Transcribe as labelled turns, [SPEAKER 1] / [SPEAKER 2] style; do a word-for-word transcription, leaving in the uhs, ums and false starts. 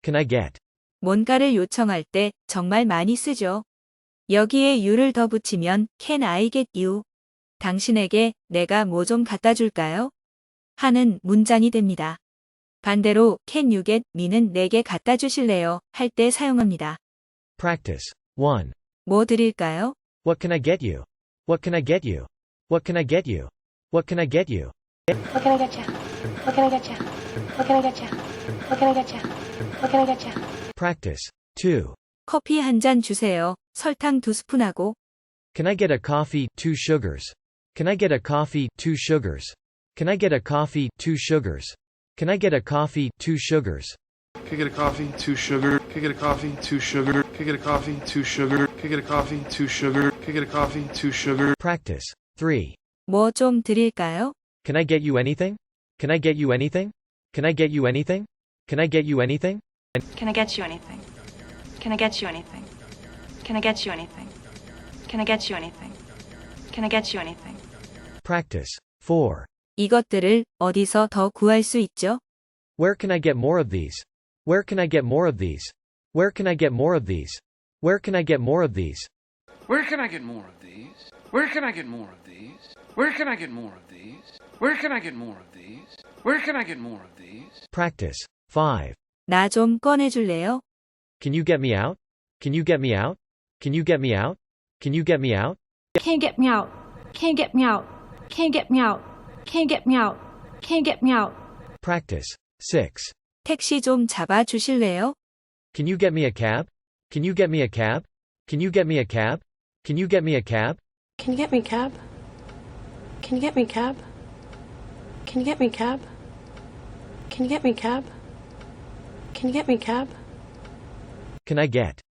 [SPEAKER 1] can I get?
[SPEAKER 2] 뭔가를 요청할 때 정말 많이 쓰죠. 여기에 you를 더 붙이면 can I get you? 당신에게 내가 뭐 좀 갖다 줄까요? 하는 문장이 됩니다. 반대로 can you get me는 내게 갖다 주실래요? 할 때 사용합니다.
[SPEAKER 1] Practice. one.
[SPEAKER 2] 뭐 드릴까요?
[SPEAKER 1] What can I get you? What can I get you? What can I get you? What can I get you?
[SPEAKER 3] What can I get you? What can I get you? What can I get you? What can I get you? What can I get you?
[SPEAKER 1] Practice. two.
[SPEAKER 2] 커피 한 잔 주세요. 설탕 두 스푼하고.
[SPEAKER 1] Can I get a coffee, two sugars? Can I get a coffee, two sugars? Can I get a coffee, two sugars? Can I get a coffee, two sugars?
[SPEAKER 4] Can I get a coffee, two sugar? Can I get a coffee, two sugar? Can I get a coffee, two sugar? Can I get a coffee, two sugar? Can I get a coffee, two sugar?
[SPEAKER 1] Practice. three.
[SPEAKER 2] 뭐 좀 드릴까요?
[SPEAKER 1] Can I get you anything? Can I get you anything? Can I get you anything? Can I get you anything?
[SPEAKER 5] Can I get you anything? Can I get you anything? Can I get you anything? Can I get you anything? Can I get you anything?
[SPEAKER 1] Practice. four.
[SPEAKER 2] 이것들을 어디서 더 구할 수 있죠?
[SPEAKER 1] Where can I get more of these? Where can I get more of these? Where can I get more of these? Where can I get more of these?
[SPEAKER 4] Where can I get more of these? Where can I get more of these? Where can I get more of these? Where can I get more of these? Where can I get more of these?
[SPEAKER 1] Practice. five.
[SPEAKER 2] 나 좀 꺼내줄래요?
[SPEAKER 1] Can you get me out? Can you get me out? Can you get me out? Can you get me out?
[SPEAKER 6] Can't get me out. Can't get me out. Can't get me out. Can't get me out. Can't get me out.
[SPEAKER 1] Practice. six.
[SPEAKER 2] 택시 좀 잡아 주실래요?
[SPEAKER 1] Can you get me a cab? Can you get me a cab? Can you get me a cab? Can you get me a cab?
[SPEAKER 3] Can you get me a cab? Can you get me a cab? Can you get me a cab? Can you get me a cab? Can you get me a cab?
[SPEAKER 1] Can I get?